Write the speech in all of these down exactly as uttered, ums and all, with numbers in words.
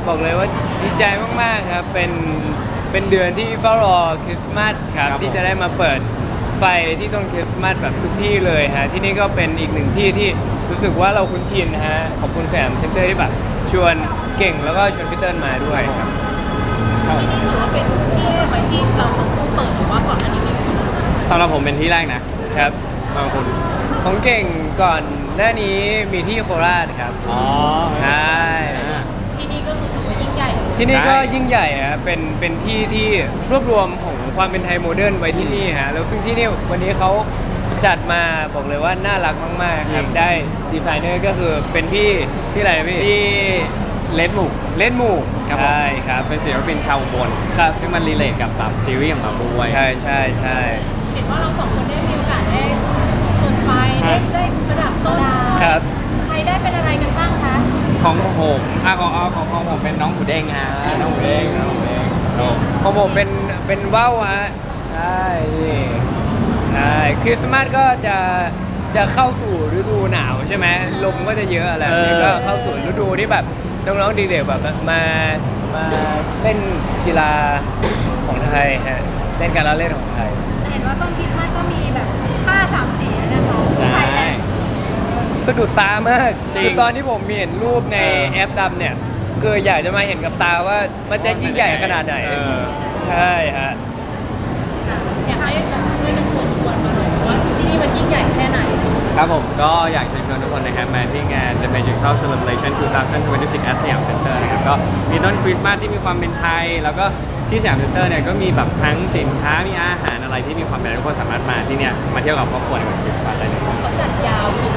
บอกเลยว่าดีใจมากๆครับเป็นเป็นเดือนที่เฝ้ารอคริสต์มาสครับที่จะได้มาเปิดไฟที่ต้นคริสต์มาสแบบทุกที่เลยฮะที่นี่ก็เป็นอีกหนึ่งที่ที่รู้สึกว่าเราคุ้นชินฮะขอบคุณแสมเซ็นเตอร์ที่แบบชวนเก่งแล้วก็ชวนพี่เติ้ลมาด้วยครับที่นี่ถือว่าเป็นที่ไว้ที่เราทั้งคู่เปิดหรือว่าก่อนอันนี้มีสำหรับผมเป็นที่แรกนะครับ บางคนของเก่งก่อนหน้านี้มีที่โคราชครับอ๋อใช่ที่นี่ก็คือถือว่ายิ่งใหญ่ที่นี่ก็ใช่ยิ่งใหญ่อะเป็นเป็นที่ที่รวบรวมของความเป็นไทยโมเดิร์นไว้ที่นี่ฮะแล้วซึ่งที่นี่วันนี้เขาจัดมาบอกเลยว่าน่ารักมากๆครับได้ดีไซเนอร์ก็คือเป็นพี่พี่อะไรนะพี่ที่เลดหมูเล่นหมู่ครับผมใช่ครับเป็นศิลปินชาวอุบลครับซึ่งมันรีเลทกับแบบซีรีส์ของเราด้วยใช่ใช่ใช่เห็นว่าเราสองคนได้มีโอกาสได้เปิดไฟได้ได้ประดับต้นครับใครได้เป็นอะไรกันบ้างคะของผมอ่ะของอ๋อของของผมเป็นน้องหมูเด้งฮะน้องหมูเด้งน้องหมูเด้งโอ้ของผมเป็นเป็นว่าวฮะใช่นี่ใช่คริสต์มาสก็จะจะเข้าสู่ฤดูหนาวใช่ไหมลมก็จะเยอะอะไรแบบนี้ก็เข้าสู่ฤดูที่แบบน้องๆดีเด็กแบบมามาเล่นกีฬาของไทยฮะเล่นการละเล่นของไทยเห็นว่าต้นคริสต์มาสก็มีแบบผ้าสามสีนะคะใช่สะดุดตามากจริงคือตอนที่ผมมีเห็นรูปในเออแอปดำเนี่ยคืออยากจะมาเห็นกับตาว่ามันจะยิ่งใหญ่ขนาดไหนเออใช่ฮะอยากให้แบบช่วยกันเชิญชวนมาหน่อยว่าที่นี่มันยิ่งใหญ่แค่ไหนครับผมก็อยากเชิญชวนทุกคนนะครับมาที่งาน The Magical Celebration สองพันยี่สิบหก at สยามเซ็นเตอร์นะครับก็มีต้นคริสต์มาสที่มีความเป็นไทย แล้วก็ที่สยามเซ็นเตอร์เนี่ยก็มีแบบทั้งสินค้ามีอาหารอะไรที่มีความเป็นไทยทุกคนสามารถมาที่เนี่ยมาเที่ยวกับครอบครัวในวันคริสต์มาสได้เลยเขาจัดยาวถึง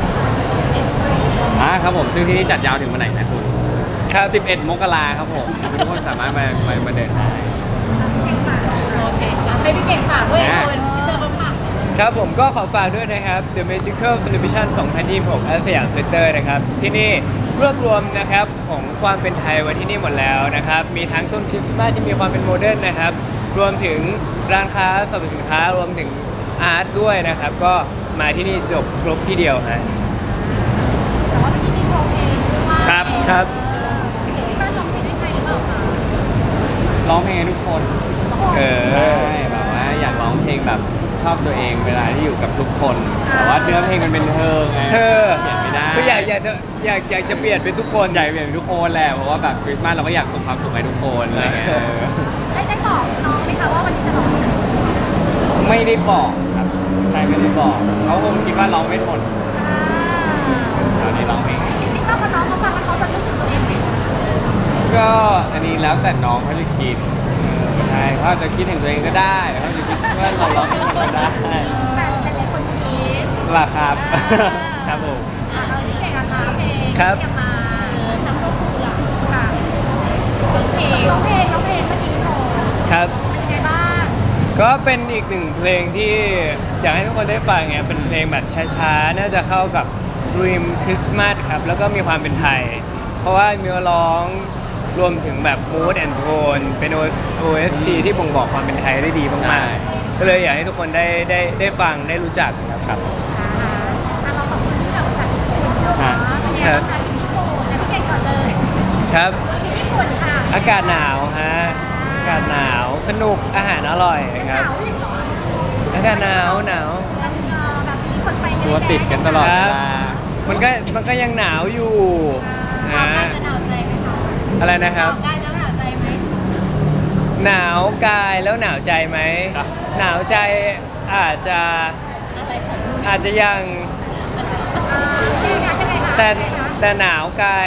อ่าครับผมซึ่งที่นี่จัดยาวถึงวันไหนนะคุณครับสิบเอ็ดมกราครับผมทุกคนสามารถมามามาเดินได้โอเคอ่ะให้พี่เก่งฝากด้วยคนพี่เตอร์เขาฝากครับผมก็ขอฝากด้วยนะครับ The Magical Celebration สองพันยี่สิบหก at สยามเซ็นเตอร์นะครับที่นี่รวบรวมนะครับของความเป็นไทยไว้ที่นี่หมดแล้วนะครับมีทั้งต้นคริสต์มาสที่มีความเป็นโมเดิร์นนะครับรวมถึงร้านค้าสรรพสินค้ารวมถึงอาร์ตด้วยนะครับก็มาที่นี่จบครบที่เดียวฮะแต่ว่าที่นี่โชว์เพลงด้วยครับครับพี่เตอร์ร้องเพลงให้ใครหรือเปล่าคะร้องเพลงให้ทุกคนเอใช่อแบบว่าอยากร้องเพลงแบบชอบตัวเองเวลาที่อยู่กับทุกคน แต่ว่าเนื้อเพลงมันเป็นเธอไงเธอเปลี่ยนไม่ได้ก็อยากอยากจะอยากอยากจะเปลี่ยนเป็นทุกคนอยากเปลี่ยนเป็นทุกคนแหละเพราะว่าแบบคริสต์มาสเราก็อยากส่งความสุขให้ทุกคนอะไรเงี้ยเออได้ได้บอกน้องไหมคะว่าวันนี้จะร้องเพลงไม่ได้บอกครับใช่ไม่ได้บอกเขาคงคิดว่าเราไม่ทนตอนนี้ร้องเพลงจริงๆแล้วพอน้องเขาฟังแล้วเขาจะนึกถึงตัวเองสิก็อันนี้แล้วแต่น้องเขาจะคิดเออใช่เขาอาจจะคิดถึงตัวเองก็ได้เขาจะคิดว่าเราร้องเพลงก็ได้แต่หลายๆคนคิดล่ะครับ ครับผมอ่าเราที่เก่งอะคะเพลงครับที่จะมาทำก็คือหลักค่ะร้องเพลงร้องเพลงร้องเพลงเมื่อกี้โชว์ครับเป็นยังไงบ้างก็เป็นอีกหนึ่งเพลงที่อยากให้ทุกคนได้ฟังไงเป็นเพลงแบบช้าๆ น่าจะเข้ากับ Dream Christmas ครับ แล้วก็มีความเป็นไทย เพราะว่าเนื้อร้องรวมถึงแบบ mood and tone เป็น โอ เอส ที ที่บ่งบอกความเป็นไทยได้ดีมากๆ ก็เลยอยากให้ทุกคนได้ได้ได้ฟังได้รู้จักครับครับอ่าอ่าเราสองคนที่กลับมาจากญี่ปุ่นเนาะเป็นยังไงบ้างคะที่ญี่ปุ่นแต่พี่เก่งก่อนเลยครับที่ญี่ปุ่นค่ะอากาศหนาวฮะ อากาศหนาว สนุก อาหารอร่อยเป็นคหรับนาวอีกเหรออากาศหนาวหนาวแล้วเอ่อแบบมีคนไปเยอะตัวติดกันตลอดเวลามันก็มันก็ยังหนาวอยู่อ่าฮะหนาวใจไหมคะอะไรนะครับหนาวได้แล้วหนาวใจไหมหนาวกายแล้วหนาวใจไหมครับหนาวใจอาจจะอะไรของอาจจะยังอ่ายังไงคะยังไงคะแต่ยังไงคะแต่หนาวกาย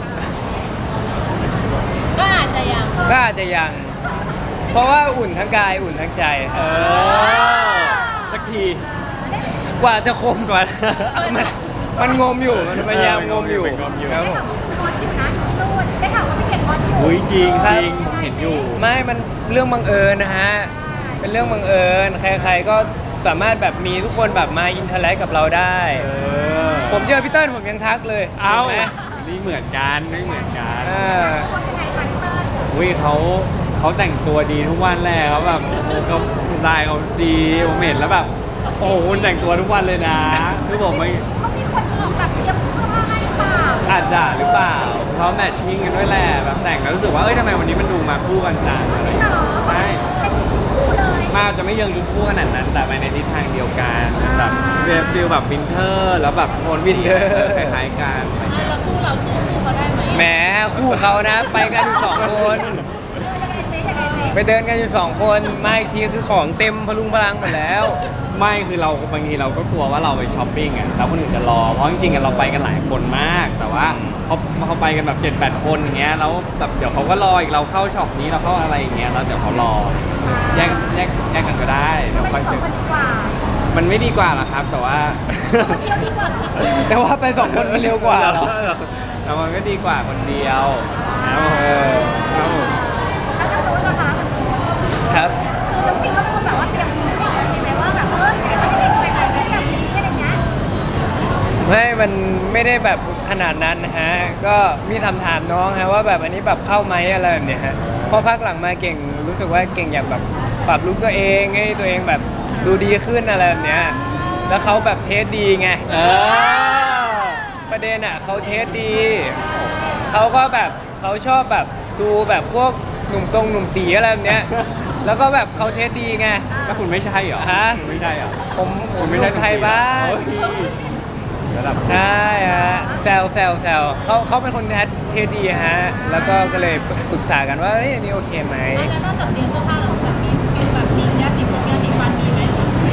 ก็อาจจะยังก็อาจจะยัง เพราะว่าอุ่นทั้งกายอุ่นทั้งใจเออสักทีกว่าจะคมกว่า มันมันงมอยู่มันพยายามงมอยู่มันงมอยู่ครับได้ผมข่าวว่าคุณมอสอยู่นะอยู่ที่นู่นได้ข่าวว่าพี่เก่งมอสอยู่อุ้ยจริงครัจบริงผมเห็นอยู่ไม่มันเรื่องบังเอิญนะฮะ เป็นเรื่องบังเอิญใครๆก็สามารถแบบมีทุกคนแบบมาอินเทอร์แลกกับเราได้เออผมเจอพี่เติ้ลผมยังทักเลยเอ้าห็นไหมนี่เหมือนกันไม่เหมือนกันอ่าคนยังไงคะพี่เติ้ลอุ้ยเขาเขาแต่งตัวดีทุกวันแหละเขาแบบโอ้โหเขาลายเขาดีผมเห็นแล้วแบบโอ้โหคุณแต่งตัวทุกวันเลยนะคือผมไม่เขามีคนออกแบบเตรียมเสื้อผ้าให้เปล่าอาจจะหรือเปล่าผเพราะแมทชิ่งกันด้วยแหละแบบแต่งแล้วรู้สึกว่าเอ้ยทำไมวันนี้มันดูมาคู่กันจังอะไรอย่างเงี้ยใช่เป็นคู่เลยมากจะไม่เยิงทุกคู่ขนาดนั้น แต่ไปในทิศทางเดียวกันแบบฟิลแบบวินเทอร์แล้วแบบโทนวินเทอร์คล้ายๆกันแล้วคู่เราสู้คู่เขาได้ไหมแหมคู่เขานะ ไปกันอยู่สองคนยังไงเซ่ยังไงเซ่ไปเดินกันอยู่สองคนมาอีกทีคือของเต็มพลุงพลังหมดแล้วไม่คือเราบางทีเราก็กลัวว่าเราไปช้อปปิ้งอ่ะแล้วคนอื่นจะรอเพราะจริงๆอะเราไปกันหลายคนมาก แต่ว่าพอเขาไปกันแบบเจ็ดแปดคนอย่างเงี้ยแล้วแบบเดี๋ยวเขาก็รออีกเราเข้าช็อปนี้เราเข้าอะไรอย่างเงี้ยแล้วเดี๋ยวเขารอแยกแยกแยกกันก็ได้เดี๋ยวเป็ค่อยนสอเจงอคนดีกว่ามันไม่ดีกว่าหรอครับ แต่ว่าคนเดียวดีกว่าแต่ว่าไปสองคนมันเร็วกว่าเหรอแต่มันก็ดีกว่าคนเดียวครับผมเออครับผมแล้วทางโน้นล่ะคะทางโน้นครับคือน้ำปิงเขาเป็นคนแบบว่าเตรียมชุดก่อนใช่ไหมว่าแบบเอออยากให้เขาได้ไปไหนไปแบบนี้อะไรเงี้ยไม่มันไม่ได้แบบขนาดนั้นนะฮะ ก็มีถามถามน้องฮะว่าแบบอันนี้แบบเข้าไหมอะไรแบบเนี้ยฮะพอพักหลังมาเก่งรู้สึกว่าเก่งอยากแบบปรับลุคตัวเองให้ตัวเองแบบดูดีขึ้นอะไรแบบเนี้ย แล้วเขาแบบเทสดีไงเออประเด็นอ่ะเขาเทสดี เขาก็แบบเขาชอบแบบดูแบบพวกหนุ่มตรงหนุ่มตีอะไรแบบเนี้ย แล้วก็แบบเขาเทสดีไงแล้วคุณไม่ใช่เหรอฮะคุณไม่ใช่เหรอผมผคุมณไม่ไม่ใช่ใช่ไทยบ้านโอ้ยระดับใช่ฮะแซวแซวแซวเขาเขาเป็นคนเทสดีฮะ แล้วก็ก็เลยปรึกษากันว่าเอ้ยอันนี้โอเคไหมแล้วนอกจากเตรียมเสื้อผ้าเราแบบมีฟิลแบบมียาสีผมยาสีฟันมีไหม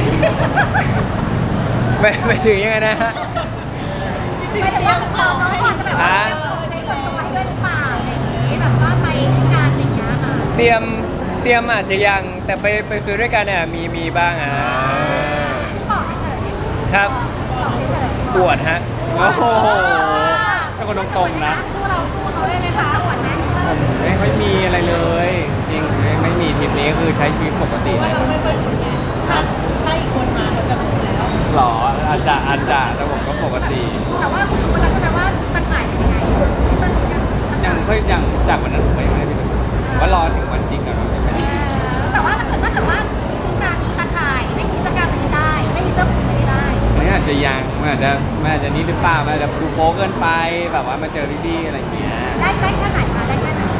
ไม่ไม่ถึงยังไงนะฮะไม่แต่ว่าเราน้อยกว่าจะแบบว่าใช้ส่วนตัวให้ด้วยหรือเปล่าอะไรอย่างงี้แบบว่าไปงานอะไรอย่างเงี้ยค่ะเตรียมเตรียมอาจจะยังแต่ไปไปซื้อด้วยกันเนี่ยมีมีบ้างอ่ะพี่บอกเฉยๆครับบอกเฉยๆปวดฮะโอ้โหเป็นคนตรงๆนะคู่เราสู้เขาได้ไหมคะปวดไหมไม่ไม่มีอะไรเลย จริงไม่ไม่มีทริปนี้คือใช้ชีวิตปกติว่าเราไม่ค่อยหนุนไงถ้าถ้าอีกคนมาเราจะหนุนแล้วหรออาจจะอาจจะแต่ผมก็ปกติแต่ว่าคุณรู้แล้วใช่ไหมว่าตัดขายเป็นยังไงต้นยังยังค่อยยังจากวันนั้นผมยังไม่ได้ไปดูว่ารอถึงวันจริงก่อนว่าจะเป็นยังไงแต่ว่าถ้าเกิดถ้าเกิดว่าชุดงานมีตาข่ายไม่มีเสื้อกล้ามไม่ได้ไม่มีเสื้อผูกไม่ได้มันอาจจะยังมันอาจจะมันอาจจะนี้หรือเปล่ามันอาจจะดูโป๊เกินไปแบบว่ามาเจอพี่ๆอะไรอย่างเงี้ยได้ได้แค่ไหนคะได้แค่ไหน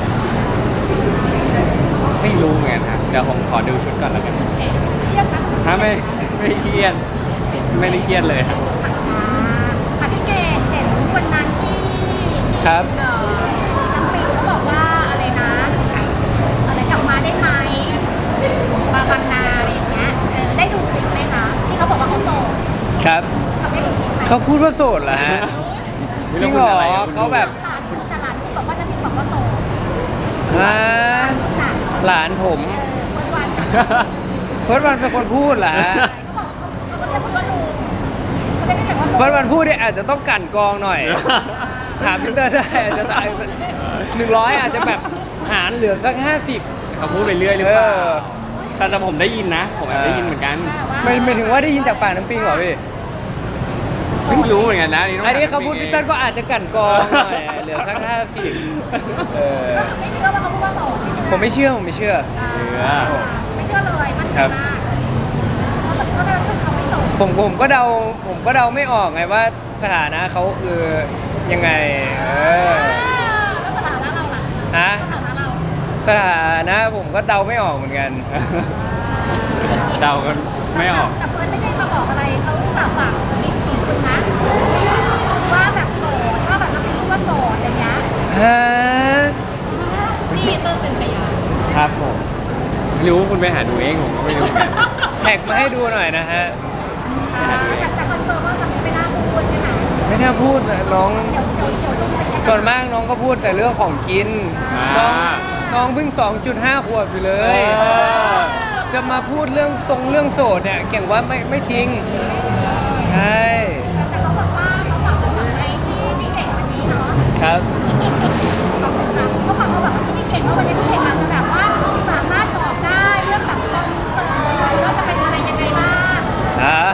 ไม่รู้เหมือนกันครับเดี๋ยวผมขอดูชุดก่อนแล้วกันเอ๊ะเทียบกันถ้าไม่ไม่เครียดไม่ได้เครียดเลยครับอ่าค่ะพี่เกดเห็นวันนั้นที่ครับเอ่อน้ำปิงเขาบอกว่าอะไรนะอะไรกลับมาได้ไหมบาบางนาอะไรอย่างเงี้ยเออได้ดูคลิปไหมคะที่เขาบอกว่าเขาโสดครับเขาได้ดูคลิปไหมเขาพูดว่าโสดเหรอฮะ จริงเหรอเขาแบบหลานพูดแต่หลานพูดบอกว่าน้ำปิงบอกว่าโสดฮะหลานหลานผมเออคนวันเฟิร์สวันเป็นคนพูดเหรอฮะเขาบอกเขาเขาก็เลยพูดว่าลุงเขาเลยไม่เห็นว่าลุงเฟิร์สวันพูดเนี่ยอาจจะต้องกลั่นกรองหน่อย ถามพิเตอร์ได้อาจจะตายหนึ่งร้อยอาจจะแบบหารเหลือสักห้าสิบเขาพูดไปเรื่อยหรือเปล่าเออแต่แต่ผมได้ยินนะ ผมแอบได้ยินเหมือนกันไม่ไม่ถึงว่าได้ยินจากปากน้ำปิงเหรอพี่เพิ่งรู้เหมือนกันนะต้งอันนี้ถมเขาพูดพี่พิเตอร์ก็อาจจะกลั่นกรองหน่อยเหลือสักห้าสิบเออก็คือไม่เชื่อว่าเขาพูดว่าโสดไม่เชื่อผมไม่เชื่อผมไม่เชื่ออ่าไม่เชื่อเลยมั่นใจครับมากเพราะฉะนั้นเพราะฉะนั้นคือเขาไม่โสดผมผมก็เดาผมก็เดาไม่ออกไงว่าสถานะเขาคือยังไง เออแล้วสถานะเราล่ะฮะสถานะเราสถานะผมก็เดาไม่ออกเหมือนกันเดากันไม่ออกแต่เฟิร์นไม่ได้มาบอกอะไรเขาสาบฝากมีกี่คนนะว่าแบบโสดว่าแบบเราไม่รู้ว่าโสดอะไรเงี้ยฮะนี่เติ้ลเป็นพยานครับผมไม่รู้คุณไปหาดูเองผมก็ไม่รู้เหมือนกันแท็กมาให้ดูหน่อยนะฮะแต่แต่คอนเฟิร์มว่าทำไม่น่าพูดใช่ไหมไม่น่าพูดนะน้องเดี๋ยวเดี๋ยวเดี๋ยวลงไปแค่ส่วนมากน้องก็พูดแต่เรื่องของกิน น้องอ่าน้องเพิ่ง สองจุดห้า ขวบอยู่เลเอย อจะมาพูดเรื่องทรงเรื่องโสดเนี่ยเก่งว่าไม่ไม่จริง ใช่แต่เขาบอกว่าเขาฝากเขาฝากไว้ที่พี่เก่งวันนี้เนาะครับขอบคุณนะเขาฝากเขาแบบว่าที่พี่เก่งว่าวันนี้พี่เก่งอาจจะแบบว่าสามารถบอกได้เรื่องแบบคอนเสิร์ตว่าจะเป็นอะไรยังไงบ้างอ่า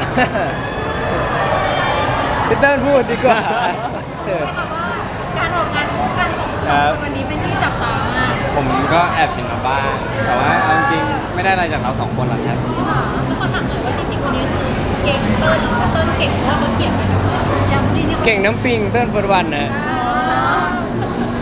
พีเตอร์พูดดีกว่าเสิร์ฟแบบว่าการออกงานคู่กันของสคอรังบคนวันนี้เป็นที่จับตามากผมก็แอบเห็นมาบ้าง แต่ว่าเอาจริงๆไม่ได้อะไรจากเราสองคนหรอกครับแล้วขอถามหน่อยว่าจริงๆวันนี้คือเก่งเติ้ลกับเติ้ลเก่งเพราะว่าเขาเขียนไปแล้วว่ายังนี่นี่เก่งน้ำปิงเติ้ลเฟิร์สวันนะเ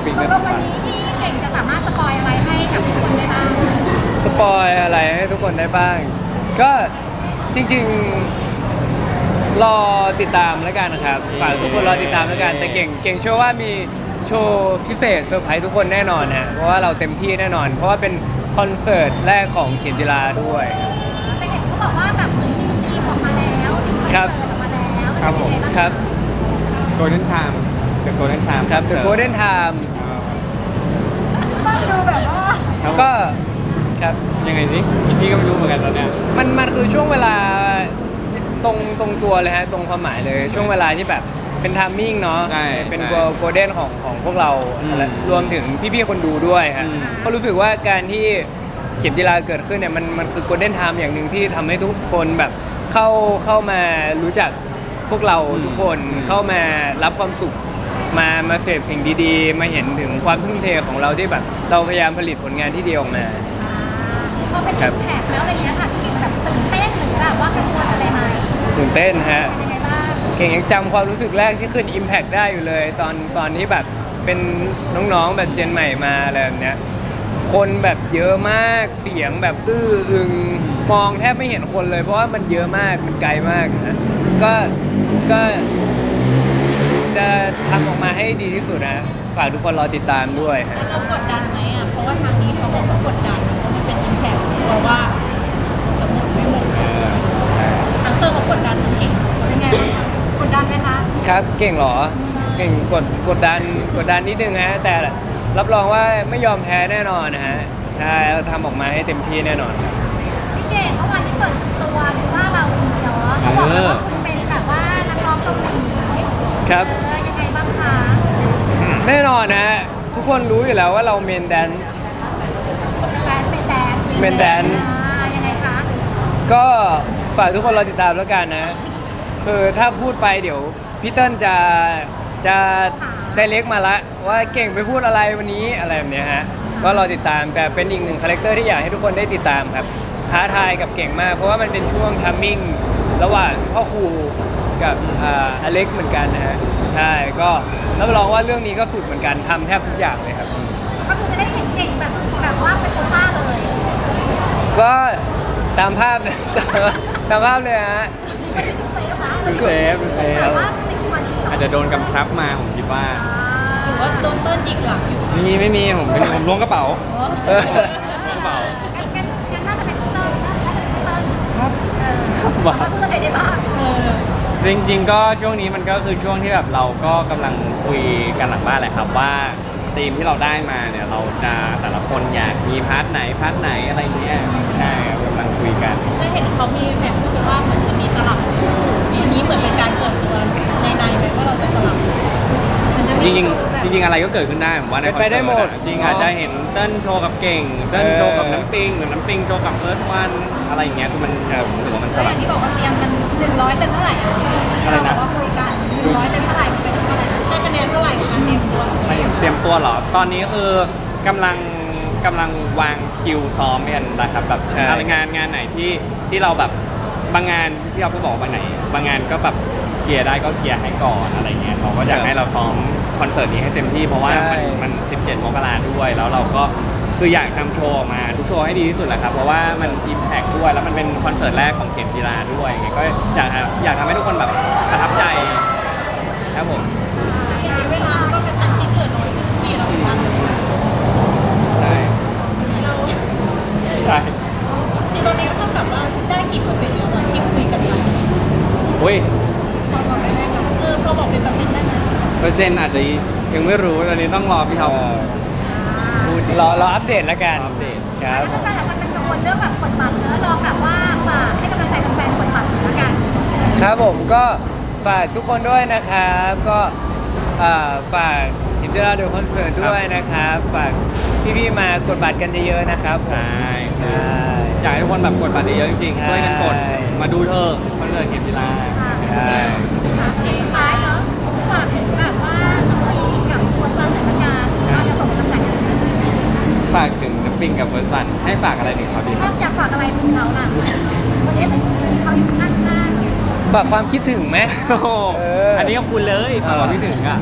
ปิงตได้กลงวันนี้ที่เก่งจะสามารถสปอยอะไรให้กับทุกคนได้บ้างสปอยอะไรให้ทุกคนได้บ้าง ก็จริงๆรอติดตามแล้วกันนะครับฝากทุกคนรอติดตามแล้วกันแต่เก่งเก่งเชื่อว่ามีโชว์พิเศษเซอร์ไพรส์ทุกคนแน่นอนฮะเพราะว่าเราเต็มที่แน่นอน เพราะว่าเป็นคอนเสิร์ตแรกของเขียนจิลาด้วยครับแต่เห็นเขาบอกว่าแบบเหมือนมีทีมออกมาแล้วครับเปิดออกมาแล้วครับผมเป็นยังไงางครับโกลเด้นชามกับโกลเด้นชามครับ The Golden Time ฟังดูแบบว่าก็ครับยังไงสิพี่ก็ไม่รู้เหมือนกันตอนเนี้ยมันมันคือช่วงเวลาตรงตรงตัวเลยฮะตรงความหมายเลย ช่วงเวลาที่แบบเป็นทามมิ่งเนาะใช่เป็นใช่โกลเด้นของของพวกเราอืมและรวมถึงพี่ๆคนดูด้วยฮะอืมก็รู้สึกว่าการที่เข็มจีราเกิดขึ้นเนี่ยมันมันคือโกลเด้นไทม์อย่างหนึ่งที่ทำให้ทุกคนแบบเข้าเข้ามารู้จักพวกเราทุกคนเข้ามารับความสุขมามาเสพสิ่งดีๆ มาเห็นถึงความทุ่มเทของเราที่แบบเราพยายามผลิตผลงานที่ดีออกมาพอเป็นครับแขกแล้วอะไรเงี้ยค่ะพี่เก่งแบบตื่นเต้นหรือแบบว่ากังวลอะไรไหมตื่นเต้นฮะเป็นยังไงบ้างเก่งยังจำความรู้สึกแรกที่ขึ้น Impact ได้อยู่เลย ตอนตอนที่แบบเป็นน้องๆแบบเจนใหม่มาอะไรแบบเนี้ยคนแบบเยอะมากเสียงแบบอื้ออึงมองแทบไม่เห็นคนเลย เพราะว่ามันเยอะมากมันไกลมากนะก็ก็จะทำออกมาให้ดีที่สุดนะฝากทุกคนรอติดตามด้วยฮะเรากดดันไหมอ่ะ เพราะว่าทางนี้เขาบอกว่ากดดันเพราะมันเป็นอิมแพคเพราะว่าจะหมดไม่หมดทางเตอร์เขากดดันเก่งเป็นไงบ้างคะกดดันไหมคะครับเก่งเหรอเก่งกดกดดันกดดันนิดนึงฮะแต่รับรองว่าไม่ยอมแพ้แน่นอนนะฮะใช่เราทำออกมาให้เต็มที่แน่นอนครับพี่เก่งเมื่อวานที่เปิดตัวคือว่าเราเนาะเขาบอกเลยว่าคุณเป็นแบบว่านักร้องเกาหลีครับเออยังไงบ้างคะแน่นอนนะฮะทุกคนรู้อยู่แล้วว่าเราเมนแดนเป็นแดนเป็นแดนเป็นแดนอ่ายังไงคะก็ฝากทุกคนรอติดตามแล้วกันนะ คือถ้าพูดไปเดี๋ยวพี่เติ้ลจะจะได้เล็กมาละว่าเก่งไปพูดอะไรวันนี้อะไรแบบเนี้ยฮะก็รอติดตามแต่เป็นอีกหนึ่งคาแรคเตอร์ที่อยากให้ทุกคนได้ติดตามครับท้าทายกับเก่งมาก เพราะว่ามันเป็นช่วงทัมมิ่งระหว่างพ่อครูกับอ่าอเล็กเหมือนกันนะฮะใช่ก็รับรองว่าเรื่องนี้ก็สุดเหมือนกันทำแทบทุกอย่างเลยครับก็คือจะได้เห็นเก่งแบบแบบว่าเป็นโคต้าเลยก็ตามภาพ ตามภาพเลยฮะเซฟนะดูเซฟดูเซฟแต่ว่าเป็นคนดีเหรออาจจะโดนกำชับมาผมคิดว่าหรือว่าโดนเติ้ลยิงหลังอยู่ไม่มีไม่มีผมเป็นผมล้วงกระเป๋าเออล้วงกระเป๋างั้นงั้นงั้นน่าจะเป็นเติ้ลน่าจะเป็นเติ้ลครับเออครับแต่ว่าพูดอะไรได้บ้างเออจริงๆก็ช่วงนี้มันก็คือช่วงที่แบบเราก็กำลังคุยกันหลังบ้านแหละครับว่าธีมที่เราได้มาเนี่ยเราจะแต่ละคนอยากมีพาร์ทไหนพาร์ทไหนอะไรเงี้ยใช่ครับกำลังคุยกันได้เห็นเขามีแบบพูดกันว่าเหมือนจะมีสลับคู่อย่างนี้เหมือนเป็นการเปิดตัวในในๆไหมว่าเราจะสลับจริงๆจริงๆอะไรก็เกิดขึ้นได้ผมว่าในคอนไปเสิร์ตได้หมดอะจริงอาจจะเห็นเต้นโชว์กับเก่งเต้นโชว์กับน้ำปิงหรือน้ำปิงโชว์กับเฟิร์สวันอะไรอย่างเงี้ยคือมันผมรู้สึกว่ามันสแล้วอลับย่างที่บอกว่าเตรียมกันหนึ่งร้อยเต็มเท่าไหร่อะอะไรนะเราบอกว่าคุยกันหนึ่งร้อยเต็มเท่าไหร่เป็นเท่าไหร่ได้คะแนนเท่าไหร่คะเตรียมตัวไม่เตรียมตัวเหรอ ตอนนี้คือกำลังกำลังวางคิวซ้อมกันนะครับแบบใช่อะไรงานงานไหนที่ที่เราแบบบางงานที่เราก็บอกว่าบางไหน บางงานก็แบบเคลียร์ได้ก็เคลียร์ให้ก่อนอะไรเงี้ยเขาก็อยากให้เราซ้อมคอนเสิร์ตนี้ให้เต็มที่เพราะว่ามันมันสิบเจ็ดมกราด้วย แล้วเราก็คืออยากทำโชว์ออกมาทุกโชว์ให้ดีที่สุดแหละครับเพราะว่ามันอิมแพคด้วยแล้วมันเป็นคอนเสิร์ตแรกของเข็มกีฬาด้วยไงก็อยากอยากทำให้ทุกคนแบบประทับใจครับผมเวลาก็กระชั้นชิดเกิดน้อยขึ้นที่เราวันใช่นี้เราใช่ที่ตอนนี้เท่ากับว่าได้กี่เปอร์เซ็นต์แล้วที่คุยกันมาอุ้ยพอบอกได้ไหมคะเออพอบอกเป็นเปอร์เซ็นต์ได้ไหมเปอร์เซ็นต์อาจจะยังไม่รู้ตอนนี้ต้องรอพี่ท็อปพูดรอรออัปเดตแล้วกันอัปเดตครับแล้วก็อาจจะเป็นกังวลเรื่องแบบกดบัตรเนอะรอแบบว่าฝากให้กำลังใจแฟนๆกดบัตรแล้วกันครับผมก็ฝากทุกคนด้วยนะครับ ก็อ่าฝากทีมเจราเดลคอนเสิร์ตด้วยนะครับ ฝากพี่ๆมากดบัตรกันเยอะๆนะครับผมใช่ใช่อยากให้ทุกคนแบบกดบัตรเยอะๆจริงใช่ๆช่วยกันกดมาดูเธอะคอนเสิร์ตเข็มจีราใช่สุดท้ายเนาะฝากถึงแบบว่าทำอะไรกับคนวางแผนงานเราจะส่งกำลังใจกันฝากถึงน้ำปิงกับเฟิร์สซันให้ฝากอะไรถึงเขาดีคถ้ารับอยากฝากอะไรถึงเขาล่ะวันนี้เป็นเขาอยู่ข้างหน้าฝากความคิดถึงไหมโอ้โหเอออัอันนี้ก็คุณเลยเออฝากความคิดถึงอ่ะอ่ะ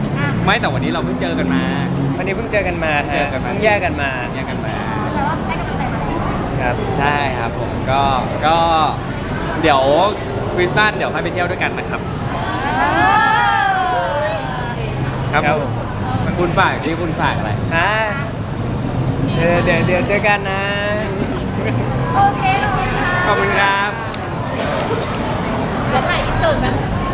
ไม่แต่วันนี้เราเพิ่งเจอกันมาวันนี้เพิ่งเจอกันมาฮะเจอกันมาเพิ่งแยกกันมาแยกกันมาแต่ว่าได้กำลังใจมาแล้วครับใช่ครับผมก็ก็เดี๋ยวคริสต์มาสเดี๋ยวให้ไปเที่ยวด้วยกันนะครับ ครับครับผมคุณฝากที่คุณฝากอะไรฮะเดี๋ยวเดี๋ยวเดี๋ยวเจอกันนะโอเคขอบคุณค่ะขอบคุณครับเดี๋ยวถ่ายอินเสิร์ตไหม